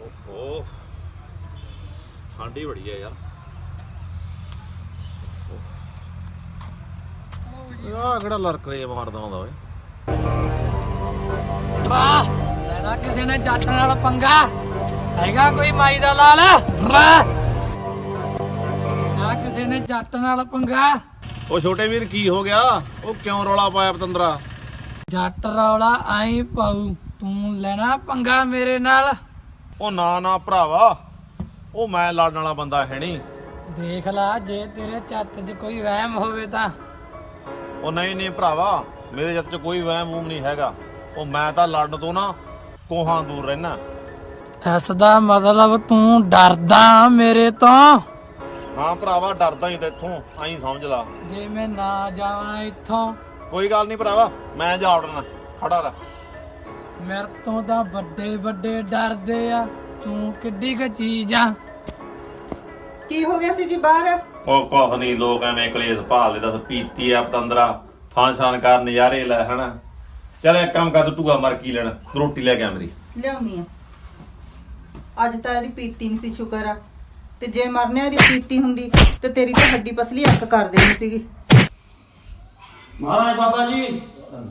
ਓਹੋ ਠੰਡ ਹੀ ਬੜੀ ਆ ਯਾਰ। ਆਹ ਕਿਹੜਾ ਲੜਕਰੇ ਮਾਰਦਾ ਹੁੰਦਾ ਓਏ। ਵਾਹ ਲੈਣਾ ਕਿਸੇ ਨੇ ਜੱਟ ਨਾਲ ਪੰਗਾ ਹੈਗਾ ਕੋਈ ਮਾਈ ਦਾ ਲਾਲ ਨਾ ਕਿਸੇ ਨੇ ਜੱਟ ਨਾਲ ਪੰਗਾ। ਉਹ ਛੋਟੇ ਵੀਰ ਕੀ ਹੋ ਗਿਆ? ਉਹ ਕਿਉਂ ਰੌਲਾ ਪਾਇਆ ਪਤੰਦਰਾ? ਜੱਟ ਰੌਲਾ ਆਈ ਪਾਉ ਤੂੰ ਲੈਣਾ ਪੰਗਾ ਮੇਰੇ ਨਾਲ। ਉਹ ਨਾ ਭਰਾਵਾ, ਉਹ ਮੈਂ ਲੜਨ ਵਾਲਾ ਬੰਦਾ ਹੈ ਨਹੀਂ। ਦੇਖ ਲਾ ਜੇ ਤੇਰੇ ਚੱਤ 'ਚ ਕੋਈ ਵਹਿਮ ਹੋਵੇ ਤਾਂ। ਉਹ ਨਹੀਂ ਭਰਾਵਾ, ਮੇਰੇ ਜੱਤ 'ਚ ਕੋਈ ਵਹਿਮ ਵੂਮ ਨਹੀਂ ਹੈਗਾ। ਉਹ ਮੈਂ ਤਾਂ ਲੜਨ ਤੋਂ ਨਾ ਕੋਹਾਂ ਦੂਰ ਰਹਿਣਾ। ਇਸ ਦਾ ਮਤਲਬ ਤੂੰ ਡਰਦਾ ਮੇਰੇ ਤੋਂ? ਹਾਂ ਭਰਾਵਾ, ਡਰਦਾ ਹੀ ਤੇਥੋਂ, ਆਈ ਸਮਝ ਲਾ। ਜੇ ਮੈਂ ਨਾ ਜਾਵਾਂ ਇੱਥੋਂ? ਕੋਈ ਗੱਲ ਨਹੀਂ ਭਰਾਵਾ, ਮੈਂ ਜਾ ਵੜਨਾ, ਖੜਾ ਰਹਿ। ਮੇਰੇ ਤੋਂ ਤਾਂ ਵੱਡੇ ਵੱਡੇ ਡਰਦੇ ਆ, ਤੂੰ ਕਿੱਡੀ ਕੁ ਚੀਜ਼ ਆ। ਕੀ ਹੋ ਗਿਆ ਸੀ ਜੀ ਬਾਹਰ? ਉਹ ਕੁਛ ਨਹੀਂ, ਲੋਕ ਐਵੇਂ ਕਲੇਸ਼ ਭਾਲਦੇ। ਦੱਸ ਪੀਤੀ ਆ ਪਤੰਦਰਾ, ਫਾਂਸ਼ਾਨ ਕਰ ਨਜ਼ਾਰੇ ਲੈ ਹਨਾ। ਚੱਲ ਇੱਕ ਕੰਮ ਕਰ, ਤੂੰ ਟੂਆ ਮਰ ਕੀ ਲੈਣਾ, ਤੂੰ ਰੋਟੀ ਲੈ ਕੇ ਆ ਮੇਰੀ। ਲਿਆਉਣੀ ਆ। ਅੱਜ ਤਾਂ ਇਹਦੀ ਪੀਤੀ ਨਹੀਂ ਸੀ, ਸ਼ੁਕਰ ਆ। ਤੇ ਜੇ ਮਰਨੇ ਇਹਦੀ ਪੀਤੀ ਹੁੰਦੀ ਤੇ ਤੇਰੀ ਤਾਂ ਹੱਡੀ ਪਸਲੀ ਅੱਕ ਕਰ ਦੇਣੀ ਸੀਗੀ। ਮਹਾਰਾਜ ਬਾਬਾ ਜੀ,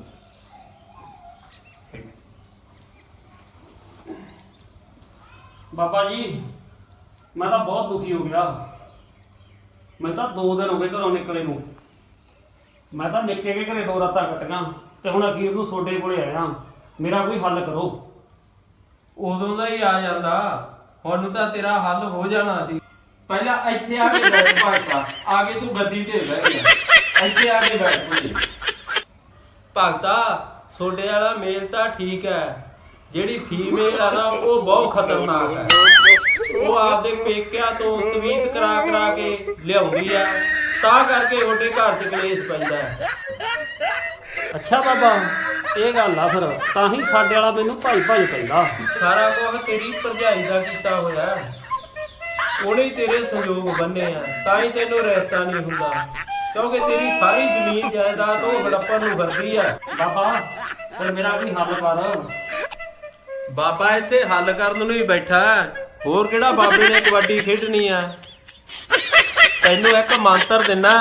ਬਾਬਾ ਜੀ ਮੈਂ ਤਾਂ ਬਹੁਤ ਦੁਖੀ ਹੋ ਗਿਆ। ਮੈਂ ਤਾਂ 2 ਦਿਨ ਹੋ ਗਏ ਘਰੋਂ ਨਿਕਲੇ ਨੂੰ। ਮੈਂ ਤਾਂ ਨਿੱਕੇ ਕੇ ਘਰੇ 2 ਰਾਤਾਂ ਕੱਟੀਆਂ ਤੇ ਹੁਣ ਅਖੀਰ ਨੂੰ ਤੁਹਾਡੇ ਕੋਲੇ ਆਇਆ। ਮੇਰਾ ਕੋਈ ਹੱਲ ਕਰੋ। ਉਦੋਂ ਦਾ ਹੀ ਆ ਜਾਂਦਾ, ਹੁਣ ਤਾਂ ਤੇਰਾ ਹੱਲ ਹੋ ਜਾਣਾ ਸੀ। ਪਹਿਲਾਂ ਇੱਥੇ ਆ ਕੇ ਬੈਠ ਭਗਤਾ, ਆ ਕੇ ਤੂੰ ਗੱਦੀ ਤੇ ਬਹਿ ਗਿਆ। ਇੱਥੇ ਆ ਕੇ ਬੈਠ ਤੂੰ। ਭਗਤਾ ਤੁਹਾਡੇ ਵਾਲਾ ਮੇਲ ਤਾਂ ਠੀਕ ਹੈ, ਜਿਹੜੀ ਫੀਮੇਲ ਆ ਨਾ ਉਹ ਬਹੁਤ ਖਤਰਨਾਕ ਹੈ। ਉਹ ਆਪਦੇ ਪੇਕਿਆਂ ਤੋਂ ਤਵੀਤ ਕਰਾ ਕੇ ਲਿਆਉਂਦੀ ਆ, ਤਾਂ ਕਰਕੇ ਤੁਹਾਡੇ ਘਰ 'ਚ ਕਲੇਸ਼ ਪੈਂਦਾ ਹੈ। ਅੱਛਾ ਬਾਬਾ, ਇਹ ਗੱਲ ਆ ਫਿਰ ਤਾਂ ਹੀ ਸਾਡੇ ਵਾਲਾ ਮੈਨੂੰ ਭਾਈ ਕਹਿੰਦਾ। ਸਾਰਾ ਕੁਝ ਤੇਰੀ ਭਰਜਾਈ ਦਾ ਕੀਤਾ ਹੋਇਆ, ਉਹਨੇ ਹੀ ਤੇਰੇ ਸੰਯੋਗ ਬੰਨੇ ਆ, ਤਾਂ ਹੀ ਤੈਨੂੰ ਰਿਸ਼ਤਾ ਨਹੀਂ ਹੁੰਦਾ। ਕਿਉਂਕਿ ਤੇਰੀ ਸਾਰੀ ਜ਼ਮੀਨ ਜਾਇਦਾਦ ਉਹ ਹੜੱਪਣ ਨੂੰ ਕਰਦੀ ਆ। ਬਾਬਾ ਫਿਰ ਮੇਰਾ ਕੋਈ ਹੱਲ ਕਰ। ਬਾਬਾ ਇੱਥੇ ਹੱਲ ਕਰਨ ਨੂੰ ਹੀ ਬੈਠਾ, ਹੋਰ ਕਿਹੜਾ ਬਾਬੇ ਨੇ ਕਬੱਡੀ ਖੇਡਣੀ ਆ। ਤੈਨੂੰ ਇੱਕ ਮੰਤਰ ਦਿੰਨਾ,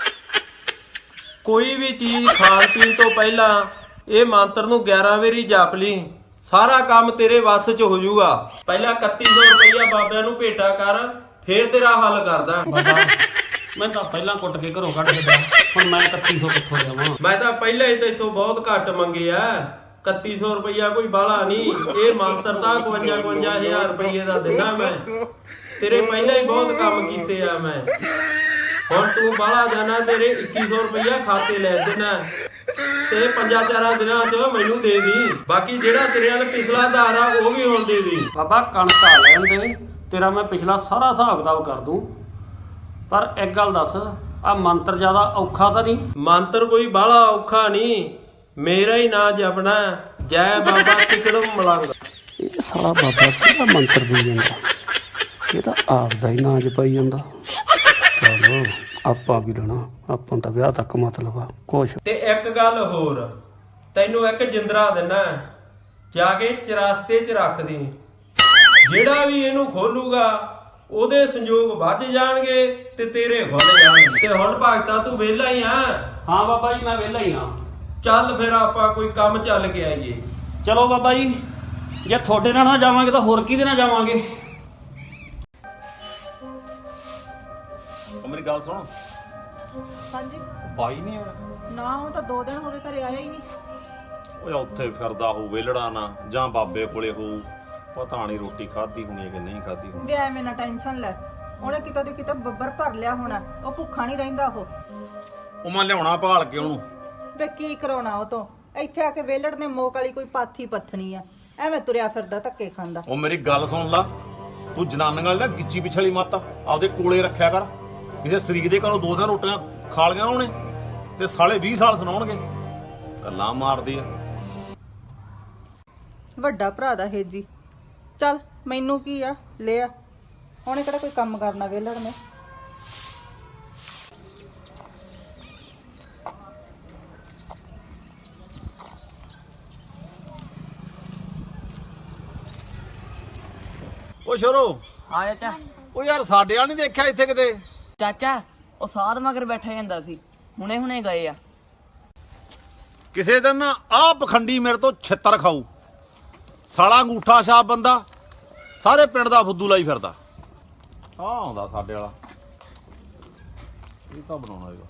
ਕੋਈ ਵੀ ਚੀਜ਼ ਖਾਣ ਪੀਣ ਤੋਂ ਪਹਿਲਾਂ ਇਹ ਮੰਤਰ ਨੂੰ 11 ਵਾਰੀ ਜਪ ਲਈ, ਸਾਰਾ ਕੰਮ ਤੇਰੇ ਵੱਸ 'ਚ ਹੋ ਜਾਊਗਾ। ਪਹਿਲਾਂ 3100 ਰੁਪਇਆ ਬਾਬਿਆਂ ਨੂੰ ਭੇਟਾ ਕਰ, ਫੇਰ ਤੇਰਾ ਹੱਲ ਕਰਦਾ। ਬਾਬਾ ਮੈਂ ਤਾਂ ਪਹਿਲਾਂ ਕੁੱਟ ਕੇ ਘਰੋਂ ਕੱਢ ਦਿੱਤਾ, ਹੁਣ ਮੈਂ 3100 ਕਿੱਥੋਂ ਦੇਵਾਂ? ਮੈਂ ਤਾਂ ਪਹਿਲਾਂ ਹੀ ਤੈਥੋਂ ਬਹੁਤ ਘੱਟ ਮੰਗੇ ਆ। 3100 ਰੁਪਇਆ ਕੋਈ ਬਾਲਾ ਨਹੀਂ, ਇਹ ਮੰਤਰ ਤਾਂ 52,000 ਰੁਪਏ ਦਾ ਦਿੰਦਾ ਮੈਂ। ਤੇਰੇ ਪਹਿਲਾਂ ਹੀ ਬਹੁਤ ਕੰਮ ਕੀਤੇ ਆ ਮੈਂ। ਹੁਣ ਤੂੰ ਬਾਲਾ ਜਾਣਾ, ਤੇਰੇ 2100 ਰੁਪਇਆ ਖਾਤੇ ਲੈ ਦੇਣਾ ਤੇ 5-4 ਦਿਨਾਂ 'ਚ ਮੈਨੂੰ ਦੇ ਦੀ। ਬਾਕੀ ਜਿਹੜਾ ਤੇਰੇ ਨਾਲ ਪਿਛਲਾ ਆਧਾਰ ਆ ਉਹ ਵੀ ਹੁਣ ਦੇ ਦੀ। ਬਾਬਾ ਕਣਕ ਆ ਲੈਣ ਦੇ, ਤੇਰਾ ਮੈਂ ਪਿਛਲਾ ਸਾਰਾ ਹਿਸਾਬ ਕਿਤਾਬ ਕਰ ਦੂੰ। ਪਰ ਇੱਕ ਗੱਲ ਦੱਸ, ਆ ਮੰਤਰ ਜ਼ਿਆਦਾ ਔਖਾ ਤਾਂ ਨਹੀਂ? ਮੰਤਰ ਕੋਈ ਬਾਲਾ ਔਖਾ ਨਹੀਂ, ਮੇਰਾ ਹੀ ਨਾਂ ਜਪਣਾ, ਜੈ ਬਾਬਾ ਟਿਕੜਮ ਮਲੰਗ। ਇਹ ਸਾਲਾ ਬਾਬਾ ਕਿਹੜਾ ਮੰਤਰ ਦੇ ਜਾਂਦਾ? ਇਹ ਤਾਂ ਆਪ ਦਾ ਹੀ ਨਾਂ ਜਪਾਈ ਜਾਂਦਾ। ਚਲੋ ਆਪਾਂ ਕੀ ਲੈਣਾ, ਆਪਾਂ ਤਾਂ ਵਿਆਹ ਤੱਕ ਮਤਲਬ ਆ ਕੁਛ। ਤੇ ਇੱਕ ਗੱਲ ਹੋਰ, ਤੈਨੂੰ ਇੱਕ ਜਿੰਦਰਾ ਦਿੰਨਾ, ਜਾ ਕੇ ਚਰਾਸਤੇ 'ਚ ਰੱਖ ਦੀ। ਜਿਹੜਾ ਵੀ ਇਹਨੂੰ ਖੋਲੂਗਾ ਉਹਦੇ ਸੰਯੋਗ ਵੱਧ ਜਾਣਗੇ ਤੇ ਤੇਰੇ ਖੁੱਲ ਜਾਣਗੇ। ਤੇ ਹੁਣ ਭਗਤਾ ਤੂੰ ਵਿਹਲਾ ਹੀ ਆ? ਹਾਂ ਬਾਬਾ ਜੀ ਮੈਂ ਵਿਹਲਾ ਹੀ ਹਾਂ। ਚੱਲ ਫਿਰ ਆਪਾਂ ਕੋਈ ਕੰਮ ਚੱਲ ਕੇ ਆਈਏ। ਚਲੋ ਬਾਬਾ ਜੀ, ਜੇ ਤੁਹਾਡੇ ਨਾਲ ਨਾ ਜਾਵਾਂਗੇ ਤਾਂ ਹੋਰ ਕਿਹਦੇ ਨਾਲ ਜਾਵਾਂਗੇ? ਉਹ ਮੇਰੀ ਗੱਲ ਸੁਣ, ਹਾਂਜੀ। ਬਾਈ ਨਹੀਂ ਆਇਆ? ਨਾ ਉਹ ਤਾਂ 2 ਦਿਨ ਹੋ ਗਏ ਘਰੇ ਆਇਆ ਹੀ ਨਹੀਂ। ਓਏ ਉੱਥੇ ਫਿਰਦਾ ਹੋਊ ਵੇਲੜਾ ਨਾ, ਜਾਂ ਬਾਬੇ ਕੋਲੇ ਹੋਊ, ਪਤਾ ਨਹੀਂ ਰੋਟੀ ਖਾਧੀ ਹੋਣੀ ਹੈ ਕਿ ਨਹੀਂ ਖਾਧੀ ਹੋਣੀ। ਵੀ ਐਵੇਂ ਨਾ ਟੈਨਸ਼ਨ ਲੈ, ਉਹਨੇ ਕਿਤੇ ਤੇ ਕਿਤੇ ਬੱਬਰ ਭਰ ਲਿਆ ਹੋਣਾ, ਉਹ ਭੁੱਖਾ ਨਹੀਂ ਰਹਿੰਦਾ ਉਹ ਮੈਂ ਲਿਆਉਣਾ ਭਾਲ ਕੇ ਉਹਨੂੰ। ਵੇ ਕੀ ਕਰਾਉਣਾ ਉਹ ਤੋਂ? ਇੱਥੇ ਆ ਕੇ ਵੇਲੜ ਨੇ ਮੋਕ ਵਾਲੀ ਕੋਈ ਪਾਥੀ ਪੱਥਣੀ ਆ, ਐਵੇਂ ਤੁਰਿਆ ਫਿਰਦਾ ਧੱਕੇ ਖਾਂਦਾ। ਉਹ ਮੇਰੀ ਗੱਲ ਸੁਣ ਲਾ, ਤੂੰ ਜਨਾਨੀਆਂ ਦਾ ਗਿੱਚੀ ਪਿਛਲੀ ਮੱਤ ਆਪਦੇ ਕੋਲੇ ਰੱਖਿਆ ਕਰ। ਕਿਸੇ ਸਰੀਕ ਦੇ ਘਰੋਂ 2 ਦਿਨ ਰੋਟੀਆਂ ਖਾ ਲਈਆਂ ਉਹਨੇ ਤੇ ਸਾਲੇ 20 ਸਾਲ ਸੁਣਾਉਣਗੇ, ਗੱਲਾਂ ਮਾਰਦੀ ਆ। ਵੱਡਾ ਭਰਾ ਦਾ ਹੇਜੀ। ਚੱਲ ਮੈਨੂੰ ਕੀ ਆ, ਲਿਆ। ਉਹਨੇ ਕਿਹੜਾ ਕੋਈ ਕੰਮ ਕਰਨਾ ਵੇਲੜ ਨੇ। ਓ ਸ਼ੋਰੋ, ਹਾਂ ਚਾਚਾ। ਓ ਯਾਰ ਸਾਡੇ ਵਾਲ ਨਹੀਂ ਦੇਖਿਆ ਇੱਥੇ ਕਿਤੇ? ਚਾਚਾ ਉਹ ਸਾਧ ਮਗਰ ਬੈਠਾ ਜਾਂਦਾ ਸੀ, ਹੁਣੇ ਹੁਣੇ ਗਏ ਆ। ਕਿਸੇ ਦਿਨ ਨਾ ਆਹ ਪਖੰਡੀ ਮੇਰੇ ਤੋਂ ਛਿੱਤਰ ਖਾਊ। ਸਾਲਾ ਅੰਗੂਠਾ ਛਾਪ ਬੰਦਾ ਸਾਰੇ ਪਿੰਡ ਦਾ ਫੁੱਦੂ ਲਾਈ ਫਿਰਦਾ। ਆਹ ਆਉਂਦਾ ਸਾਡੇ ਵਾਲਾ, ਇਹ ਤਾਂ ਬਣਾਉਣਾ ਹੈਗਾ।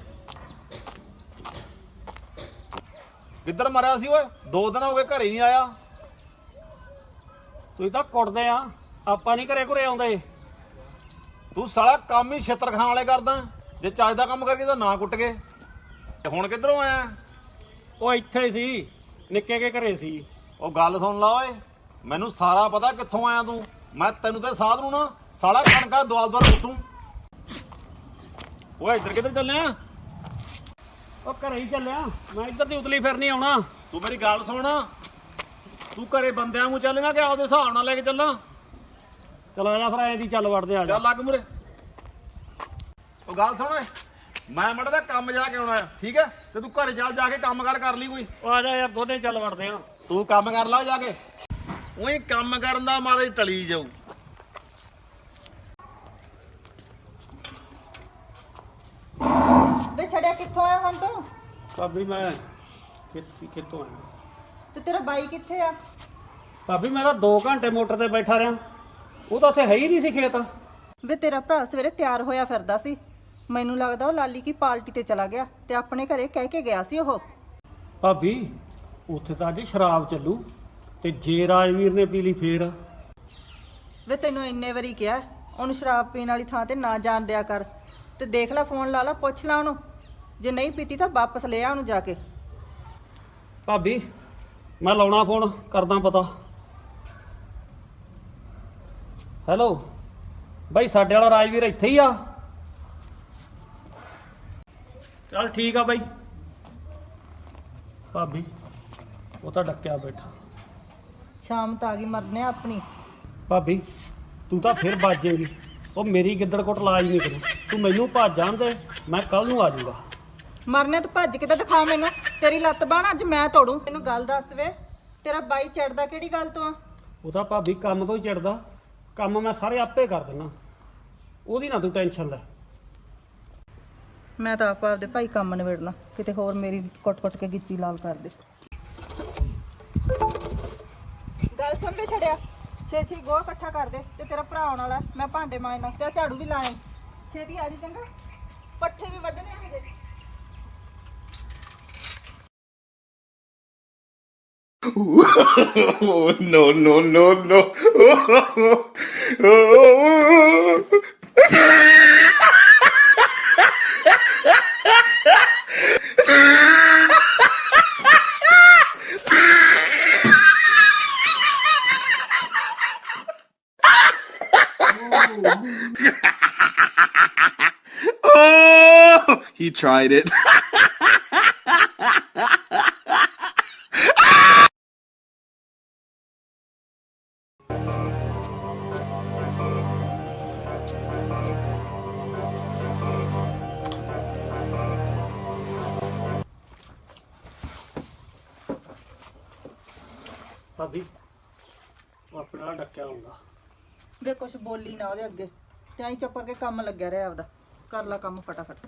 ਕਿੱਧਰ ਮਰਿਆ ਸੀ ਓਏ? 2 ਦਿਨ ਹੋ ਗਏ ਘਰੇ ਨਹੀਂ ਆਇਆ। ਤੁਸੀਂ ਤਾਂ ਕੁੱਟਦੇ ਆ, ਆਪਾਂ ਨਹੀਂ ਘਰੇ ਘੁਰੇ ਆਉਂਦੇ। ਤੂੰ ਸਾਲਾ ਕੰਮ ਹੀ ਛਿੱਤਰ ਖਾਣ ਵਾਲੇ ਕਰਦਾ। ਜੇ ਚੱਜ ਦਾ ਕੰਮ ਕਰਕੇ ਤਾਂ ਨਾ ਕੁੱਟ ਗਏ। ਤੇ ਹੁਣ ਕਿੱਧਰੋਂ ਆਇਆ? ਉਹ ਇੱਥੇ ਹੀ ਸੀ, ਨਿੱਕੇ ਕੇ ਘਰੇ ਸੀ। ਉਹ ਗੱਲ ਸੁਣ ਲਾ ਓਏ, ਮੈਨੂੰ ਸਾਰਾ ਪਤਾ ਕਿੱਥੋਂ ਆਇਆ ਤੂੰ। ਮੈਂ ਤੈਨੂੰ ਤੇ ਸਾਧ ਨੂੰ ਨਾ ਸਾਲਾ ਕਣਕਾਂ ਦੁਆਲ ਦੁਆਲ ਕੁੱਟੂ। ਓਏ ਇੱਧਰ ਕਿੱਧਰ ਚੱਲਿਆ? ਉਹ ਘਰੇ ਹੀ ਚੱਲਿਆ, ਮੈਂ ਇੱਧਰ ਦੀ ਉਤਲੀ ਫਿਰ ਨਹੀਂ ਆਉਣਾ। ਤੂੰ ਮੇਰੀ ਗੱਲ ਸੁਣ, ਤੂੰ ਘਰੇ ਬੰਦਿਆਂ ਨੂੰ ਚੱਲੇਗਾ ਕਿ ਆਪਦੇ ਹਿਸਾਬ ਨਾਲ ਲੈ ਕੇ ਚੱਲਾਂ? ਚਲੋ ਆ ਜਾ ਫਿਰ, ਐਂ ਦੀ ਚੱਲ ਵੜਦੇ ਆ ਜਾ। ਚੱਲ ਲੱਗ ਮੁਰੇ। ਉਹ ਗੱਲ ਸੁਣ ਓਏ, ਮੈਂ ਮੜਾ ਦਾ ਕੰਮ ਜਾ ਕੇ ਆਉਣਾ ਆ, ਠੀਕ ਹੈ? ਤੇ ਤੂੰ ਘਰੇ ਜਾ ਕੇ ਕੰਮ ਕਰ ਲਈ ਕੋਈ। ਉਹ ਆ ਜਾ ਯਾਰ, ਦੋਨੇ ਚੱਲ ਵੜਦੇ ਆ। ਤੂੰ ਕੰਮ ਕਰ ਲਾ ਜਾ ਕੇ। ਉਹੀ ਕੰਮ ਕਰਨ ਦਾ ਮਾਰੇ ਟਲੀ ਜਾਊ। ਵੇ ਛੜਿਆ ਕਿੱਥੋਂ ਆਇਆ ਹੁਣ ਤੂੰ? ਭਾਬੀ ਮੈਂ ਕਿੱਥੋਂ ਆਇਆ? ਤੇ ਤੇਰਾ ਬਾਈ ਕਿੱਥੇ ਆ? ਭਾਬੀ ਮੈਂ ਤਾਂ 2 ਘੰਟੇ ਮੋਟਰ ਤੇ ਬੈਠਾ ਰਿਹਾ, ਉਹ ਤਾਂ ਉੱਥੇ ਹੈ ਹੀ ਨਹੀਂ ਸੀ ਖੇਤ। ਵੇ ਤੇਰਾ ਭਰਾ ਸਵੇਰੇ ਤਿਆਰ ਹੋਇਆ ਫਿਰਦਾ ਸੀ, ਮੈਨੂੰ ਲੱਗਦਾ ਉਹ ਲਾਲੀ ਕੀ ਪਾਰਟੀ ਤੇ ਚਲਾ ਗਿਆ ਤੇ ਆਪਣੇ ਘਰੇ ਕਹਿ ਕੇ ਗਿਆ ਸੀ ਉਹ। ਭਾਬੀ ਉੱਥੇ ਤਾਂ ਅੱਜ ਸ਼ਰਾਬ ਚੱਲੂ, ਤੇ ਜੇ ਰਾਜਵੀਰ ਨੇ ਪੀ ਲਈ ਫੇਰ? ਵੇ ਤੈਨੂੰ ਇੰਨੇ ਵਾਰੀ ਕਿਹਾ ਉਹਨੂੰ ਸ਼ਰਾਬ ਪੀਣ ਵਾਲੀ ਥਾਂ ਤੇ ਨਾ ਜਾਣ ਦਿਆ ਕਰ। ਤੇ ਦੇਖ ਲੈ, ਫੋਨ ਲਾ ਲਾ, ਪੁੱਛ ਲਾ ਉਹਨੂੰ, ਜੇ ਨਹੀਂ ਪੀਤੀ ਤਾਂ ਵਾਪਸ ਲੈ ਆ ਉਹਨੂੰ ਜਾ ਕੇ। ਭਾਬੀ ਮੈਂ ਲਾਉਣਾ ਫੋਨ, ਕਰਦਾ ਪਤਾ। ਹੈਲੋ ਬਾਈ, ਸਾਡੇ ਵਾਲਾ ਰਾਜਵੀਰ ਇੱਥੇ ਹੀ ਆ? ਚੱਲ ਠੀਕ ਆ ਬਾਈ। ਭਾਬੀ ਉਹ ਤਾਂ ਡੱਕਿਆ ਬੈਠਾ। ਸ਼ਾਮ ਤਾਂ ਆ ਗਈ, ਮਰਨੇ ਆ ਆਪਣੀ। ਭਾਬੀ ਤੂੰ ਤਾਂ ਫਿਰ ਬਾਜੇਗੀ, ਉਹ ਮੇਰੀ ਗਿੱਦੜ ਕੋਟ ਲਾਜ ਨਹੀਂ ਕਰੂ। ਤੂੰ ਮੈਨੂੰ ਭੱਜ ਜਾਣ ਦੇ, ਮੈਂ ਕੱਲ ਨੂੰ ਆ ਜਾਊਗਾ। ਮਰਨੇ ਤੂੰ ਭੱਜ ਕੇ ਤਾਂ ਦਿਖਾ ਮੈਨੂੰ, ਤੇਰੀ ਲੱਤ ਬਾਂਹ ਅੱਜ ਮੈਂ ਤੋੜੂ। ਤੈਨੂੰ ਗੱਲ ਦੱਸ ਵੇ, ਤੇਰਾ ਬਾਈ ਚੜਦਾ ਕਿਹੜੀ ਗੱਲ ਤੋਂ ਆ? ਉਹ ਤਾਂ ਭਾਬੀ ਕੰਮ ਤੋਂ ਹੀ ਚਿੜਦਾ, ਕੰਮ ਮੈਂ ਸਾਰੇ ਆਪੇ ਕਰ ਦਿੰਦਾ, ਉਹਦੀ ਨਾ ਤੂੰ ਟੈਨਸ਼ਨ ਲੈ। ਮੈਂ ਤਾਂ ਆਪਦੇ ਭਾਈ ਕੰਮ ਨਿਬੇੜਨਾ, ਕਿਤੇ ਹੋਰ ਮੇਰੀ ਕੁੱਟ-ਕੁੱਟ ਕੇ ਗਿੱਚੀ ਲਾਲ ਕਰ ਦੇ। ਗੱਲ ਸੁਣ ਕੇ ਛੜਿਆ, ਛੇਤੀ ਗੋਹਾ ਇਕੱਠਾ ਕਰ ਦੇ ਤੇ ਤੇਰਾ ਭਰਾ ਆਉਣ ਵਾਲਾ, ਮੈਂ ਭਾਂਡੇ ਮਾਂਜਣਾ ਤੇ ਝਾੜੂ ਵੀ ਲਾਏ। ਛੇਤੀ ਆ ਜੀ, ਚੰਗਾ? ਪੱਠੇ ਵੀ ਵੱਢਣੇ ਆ ਹਜੇ। Oh, no, no, no, no. Oh, he tried it. ਭਾਬੀ ਉਹ ਆਪਣੇ ਨਾਲ ਡੱਕਿਆ ਹੁੰਦਾ। ਵੇ ਕੁਛ ਬੋਲੀ ਨਾ ਉਹਦੇ ਅੱਗੇ, ਚਾਈ ਚੁੱਪ ਕਰਕੇ ਕੰਮ ਲੱਗਿਆ ਰਿਹਾ ਆਪਦਾ। ਕਰ ਲੈ ਕੰਮ ਫਟਾਫਟ।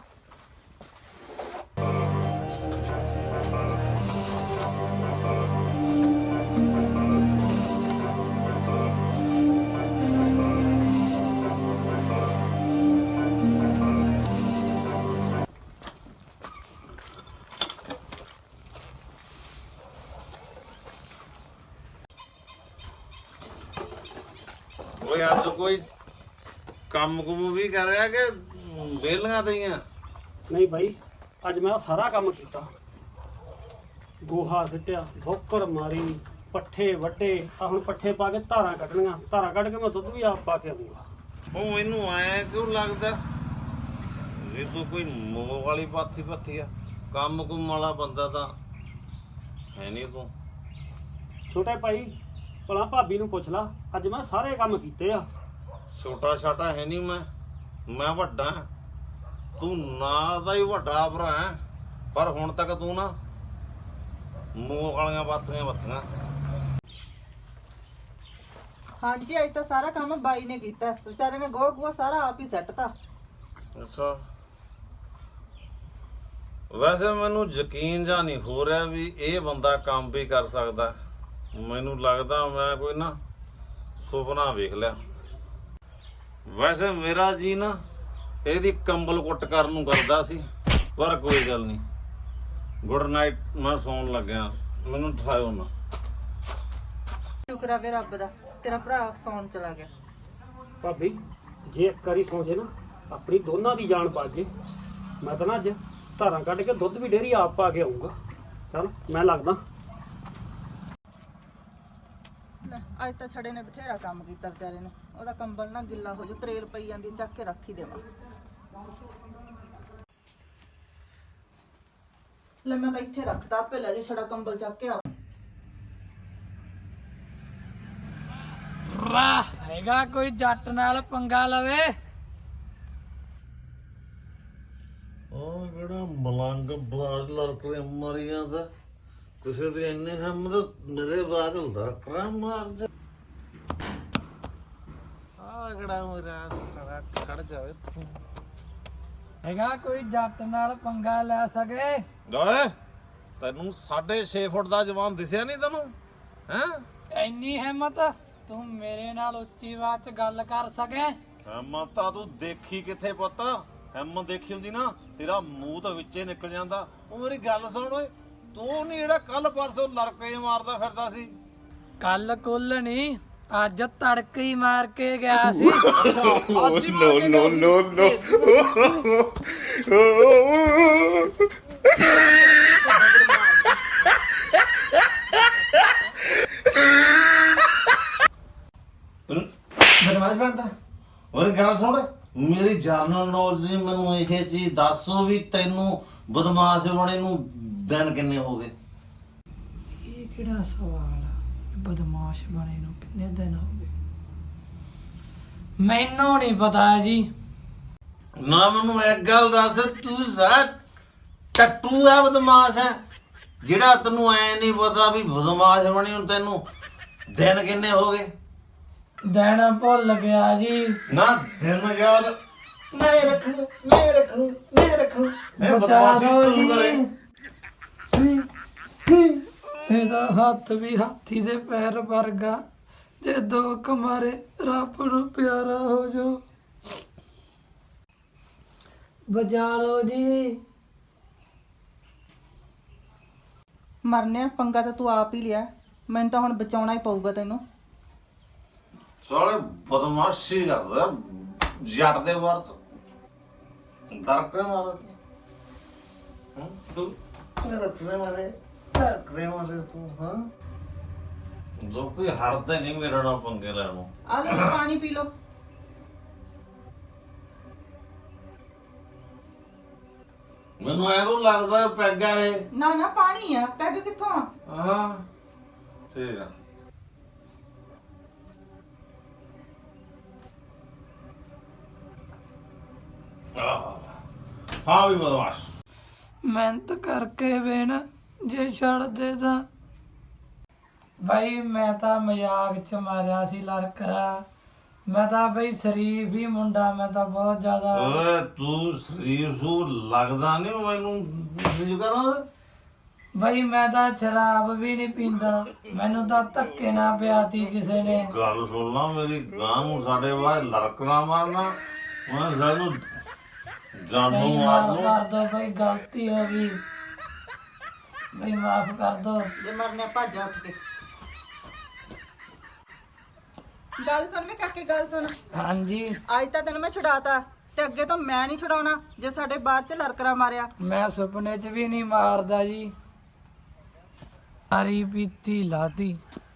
ਓਏ ਅੱਜ ਕੋਈ ਕੰਮ ਕੁਮ ਵੀ ਕਰ ਰਿਹਾ ਕਿ ਵਿਹਲੀਆਂ ਤਈਆਂ? ਨਹੀਂ ਭਾਈ, ਅੱਜ ਮੈਂ ਸਾਰਾ ਕੰਮ ਕੀਤਾ। ਗੋਹਾ ਸਿੱਟਿਆ, ਭੋਕਰ ਮਾਰੀ, ਪੱਠੇ ਵੱਢੇ। ਆ ਹੁਣ ਪੱਠੇ ਪਾ ਕੇ ਧਾਰਾਂ ਕੱਢਣੀਆਂ, ਧਾਰਾਂ ਕੱਢ ਕੇ ਮੈਂ ਦੁੱਧ ਵੀ ਆਪ ਪਾ ਕੇ ਆਉਂਗਾ। ਉਹ ਮੈਨੂੰ ਆਇਆ ਕਿਉਂ ਲੱਗਦਾ ਵੀ ਤੂੰ ਕੋਈ ਮੋਹ ਵਾਲੀ ਪੱਥੀ ਆ? ਕੰਮ ਕੁਮ ਵਾਲਾ ਬੰਦਾ ਤਾਂ ਹੈ ਨਹੀਂ ਤੂੰ। ਛੋਟੇ ਭਾਈ ਭਲਾ ਭਾਬੀ ਨੂੰ ਪੁੱਛ ਲਾ, ਅੱਜ ਮੈਂ ਸਾਰੇ ਕੰਮ ਕੀਤੇ ਆ। ਛੋਟਾ ਛਾਟਾ ਹੈ ਨਹੀਂ ਮੈਂ ਵੱਡਾ। ਤੂੰ ਨਾ ਦਾ ਹੀ ਵੱਡਾ ਭਰਾ ਹੈ, ਪਰ ਹੁਣ ਤੱਕ ਤੂੰ ਨਾ ਮੋਹ ਵਾਲੀਆਂ ਬਾਤੀਆਂ ਬੱਤੀਆਂ। ਹਾਂਜੀ ਅੱਜ ਤਾਂ ਸਾਰਾ ਕੰਮ ਬਾਈ ਨੇ ਕੀਤਾ, ਵਿਚਾਰੇ ਨੇ ਗੋਹਾ ਗੂਆ ਸਾਰਾ ਆਪ ਹੀ ਸੱਟਤਾ। ਅੱਛਾ, ਵੈਸੇ ਮੈਨੂੰ ਯਕੀਨ ਜਾਂ ਨਹੀਂ ਹੋ ਰਿਹਾ ਵੀ ਇਹ ਬੰਦਾ ਕੰਮ ਵੀ ਕਰ ਸਕਦਾ। ਮੈਨੂੰ ਲੱਗਦਾ ਮੈਂ ਕੋਈ ਨਾ ਸੁਪਨਾ ਵੇਖ ਲਿਆ। ਵੈਸੇ ਮੇਰਾ ਜੀ ਨਾ ਇਹਦੀ ਕੰਬਲ ਕੁੱਟ ਕਰਨ ਨੂੰ ਕਰਦਾ ਸੀ, ਪਰ ਕੋਈ ਗੱਲ ਨਹੀਂ। ਗੁੱਡ ਨਾਈਟ, ਮੈਂ ਸੌਣ ਲੱਗਿਆ, ਮੈਨੂੰ ਠਾਇਓ ਨਾ। ਸ਼ੁਕਰ ਆ ਵੇ ਰੱਬ ਦਾ, ਤੇਰਾ ਭਰਾ ਸੌਣ ਚਲਾ ਗਿਆ। ਭਾਬੀ ਜੇ ਇੱਕ ਵਾਰੀ ਸੌਂ ਜੇ ਨਾ ਆਪਣੀ ਦੋਨਾਂ ਦੀ ਜਾਨ ਬਚ ਜੇ। ਮੈਂ ਤਾਂ ਨਾ ਅੱਜ ਧਾਰਾਂ ਕੱਢ ਕੇ ਦੁੱਧ ਵੀ ਡੇਰੀ ਆਪ ਪਾ ਕੇ ਆਊਂਗਾ। ਚੱਲ ਮੈਂ ਲੱਗਦਾ। ਲੈ ਅੱਜ ਤਾਂ ਛੜੇ ਨੇ ਬਥੇਰਾ ਕੰਮ ਕੀਤਾ ਵਿਚਾਰੇ ਨੇ। ਉਹਦਾ ਕੰਬਲ ਨਾ ਗਿੱਲਾ ਹੋ ਜਾ, ਤਰੇਲ ਪਈ ਜਾਂਦੀ, ਚੱਕ ਕੇ ਰੱਖ ਹੀ ਦੇਵਾਂ। ਲੈ ਮੈਂ ਤਾਂ ਇੱਥੇ ਰੱਖਤਾ, ਆਪੇ ਲੈ ਜੇ ਛੜਾ ਕੰਬਲ ਚੱਕ ਕੇ ਆ। ਰਾ ਹੈਗਾ ਕੋਈ ਜੱਟ ਨਾਲ ਪੰਗਾ ਲਵੇ? ਉਹ ਕਿਹੜਾ ਮਲੰਗ ਬਾਹਰ ਲੜਕੇ ਮਰੀਆਂ ਦਾ ਕਿਸੇ ਦੀ ਇੰਨੀ ਹਿੰਮਤ ਮੇਰੇ ਬਾਹਰ ਲੜਕਾ ਮਾਰ ਜਾ। ਆ ਕਿਹੜਾ ਮੇਰਾ ਸੜਾ ਖੜ ਜਾਵੇ ਤੂੰ। ਹੈਗਾ ਕੋਈ ਜੱਟ ਨਾਲ ਪੰਗਾ ਲੈ ਸਕੇ? ਓਏ ਤੈਨੂੰ 6.5 ਫੁੱਟ ਦਾ ਜਵਾਨ ਦਿਸਿਆ ਨਹੀਂ ਤੈਨੂੰ? ਹੈਂ ਇੰਨੀ ਹਿੰਮਤ ਤੂੰ ਮੇਰੇ ਨਾਲ ਉੱਚੀ ਆਵਾਜ਼ 'ਚ ਗੱਲ ਕਰ ਸਕੇ? ਹਿੰਮਤ ਤਾਂ ਤੂੰ ਦੇਖੀ ਕਿੱਥੇ ਪੁੱਤ? ਹਿੰਮਤ ਦੇਖੀ ਹੁੰਦੀ ਨਾ ਤੇਰਾ ਮੂੰਹ ਤਾਂ ਵਿੱਚੇ ਨਿਕਲ ਜਾਂਦਾ। ਉਹ ਮੇਰੀ ਗੱਲ ਸੁਣ ਓਏ, ਤੂੰ ਨਹੀਂ ਜਿਹੜਾ ਕੱਲ ਪਰਸੋਂ ਲੜਕੇ ਮਾਰਦਾ ਫਿਰਦਾ ਸੀ? ਕੱਲ ਕੁੱਲ ਨਹੀਂ, ਅੱਜ ਤੜਕੇ ਹੀ ਮਾਰ ਕੇ ਗਿਆ ਸੀ। Oh, no, no, no, no. ਬਦਮਾਸ਼ ਬਣਦਾ। ਉਹਨੇ ਗੱਲ ਸੁਣ, ਮੇਰੀ ਜਰਨਲ ਨੌਲੇਜ ਮੈਨੂੰ ਇਹ ਚੀਜ਼ ਦੱਸੋ ਵੀ ਤੈਨੂੰ ਬਦਮਾਸ਼ ਬਣੇ ਨੂੰ ਦਿਨ ਕਿੰਨੇ ਹੋ ਗਏ? ਇਹ ਕਿਹੜਾ ਸਵਾਲ ਆ? ਬਦਮਾਸ਼ ਬਣੇ ਨੂੰ ਕਿੰਨੇ ਦਿਨ ਹੋ ਗਏ? ਮੈਨੂੰ ਨਹੀਂ ਪਤਾ ਜੀ। ਨਾ ਮੈਨੂੰ ਇੱਕ ਗੱਲ ਦੱਸ, ਤੂੰ ਸਾਰਾ ਟੱਟੂ ਆ ਬਦਮਾਸ਼ ਹੈ ਜਿਹੜਾ ਤੈਨੂੰ ਐ ਨਹੀਂ ਪਤਾ ਵੀ ਬਦਮਾਸ਼ ਬਣੀ ਨੂੰ ਤੈਨੂੰ ਦਿਨ ਕਿੰਨੇ ਹੋ ਗਏ? ਦਿਨ ਭੁੱਲ ਗਿਆ ਜੀ। ਨਾ ਦਿਨ ਯਾਦ ਮੈਂ ਰੱਖੂ, ਮੈਂ ਰੱਖੂ, ਮੈਂ ਰੱਖੂ। ਇਹ ਬਚਾ ਬਦਮਾਸ਼ੀ ਦਿਓ ਤੂੰ ਕਰੇ। ਇਹਦਾ ਹੱਥ ਵੀ ਹਾਥੀ ਦੇ ਪੈਰ ਵਰਗਾ, ਜੇ ਦੋ ਕਮਾਰੇ ਰੱਬ ਨੂੰ ਪਿਆਰਾ ਹੋ ਜਾਓ। ਬਚਾ ਲਓ ਜੀ। ਮਰਨੇ ਪੰਗਾ ਤਾਂ ਤੂੰ ਆਪ ਹੀ ਲਿਆ, ਮੈਨੂੰ ਤਾਂ ਹੁਣ ਬਚਾਉਣਾ ਹੀ ਪਊਗਾ ਤੈਨੂੰ। ਸਾਲੇ ਬਦਮਾਸ਼ੀ ਕਰਦਾ ਜੱਟ ਦੇ ਵਰਤ ਦਰਕੇ ਮਾਰੇ ਤੂੰ ਦਰਕੇ ਮਾਰੇ ਤੂੰ। ਹਾਂ ਲੋਕੀ ਹੜਦੇ ਨਹੀਂ ਮੇਰੇ ਨਾਲ ਪੰਗੇ ਲੈਣ ਨੂੰ। ਆ ਲੈ ਪਾਣੀ ਪੀ ਲਓ। ਮੈਨੂੰ ਐਂ ਲੱਗਦਾ ਪੈਗਾ ਇਹ। ਨਾ ਨਾ ਪਾਣੀ ਆ, ਪੈਗ ਕਿੱਥੋਂ ਆ? ਹਾਂ ਠੀਕ ਆ। ਹਾਂ ਵੀ ਬਦਮਾਸ਼ ਮਿਹਨਤ ਕਰਕੇ ਵੇਣ ਜੇ ਛੱਡ ਦੇ ਤਾਂ। ਭਾਈ ਮੈਂ ਤਾਂ ਮਜ਼ਾਕ 'ਚ ਮਾਰਿਆ ਸੀ ਲੜਕਰਾ। ਮੈਂ ਤਾਂ ਬਈ ਸ਼ਰੀਫ ਹੀ ਮੁੰਡਾ, ਮੈਂ ਤਾਂ ਬਹੁਤ ਜ਼ਿਆਦਾ। ਓਏ ਤੂੰ ਸਰੀਰ ਸੂ ਲੱਗਦਾ ਨਹੀਂ ਮੈਨੂੰ। ਕੀ ਕਰਾਂ ਭਾਈ ਮੈਂ ਤਾਂ ਸ਼ਰਾਬ ਵੀ ਨਹੀਂ ਪੀਂਦਾ, ਮੈਨੂੰ ਤਾਂ ਧੱਕੇ ਨਾ ਪਿਆਤੀ ਕਿਸੇ ਨੇ। ਗੱਲ ਸੁਣ ਲਾ ਮੇਰੀ, ਗਾਂ ਨੂੰ ਸਾਡੇ ਬਾਹਰ ਲੜਕਣਾ ਮਾਰਨਾ, ਮੈਂ ਸਾਨੂੰ ਜਾਨੂ ਨਹੀਂ ਮਾਰ ਮਾਫ ਨੂੰ। ਕਰ ਦੋ ਭਾਈ, ਗਲਤੀ ਹੋ ਗਈ ਭਾਈ, ਮਾਫ ਕਰ ਦੋ। ਜੇ ਮਰਨੇ ਭੱਜ ਜਾ ਉੱਠ ਕੇ। ਗੱਲ ਸੁਣ ਵੇ ਕਾਕੇ, ਗੱਲ ਸੁਣ। ਹਾਂਜੀ ਅੱਜ ਤਾਂ ਤੈਨੂੰ ਮੈਂ ਛੁਡਾਤਾ, ਤੇ ਅੱਗੇ ਤੋਂ ਮੈਂ ਨਹੀਂ ਛੁਡਾਉਣਾ ਜੇ ਸਾਡੇ ਬਾਹਰ ਚ ਲੜਕਰਾ ਮਾਰਿਆ। ਮੈਂ ਸੁਪਨੇ 'ਚ ਵੀ ਨਹੀਂ ਮਾਰਦਾ ਜੀ। ਸਾਰੀ ਪੀਤੀ ਲਾਤੀ।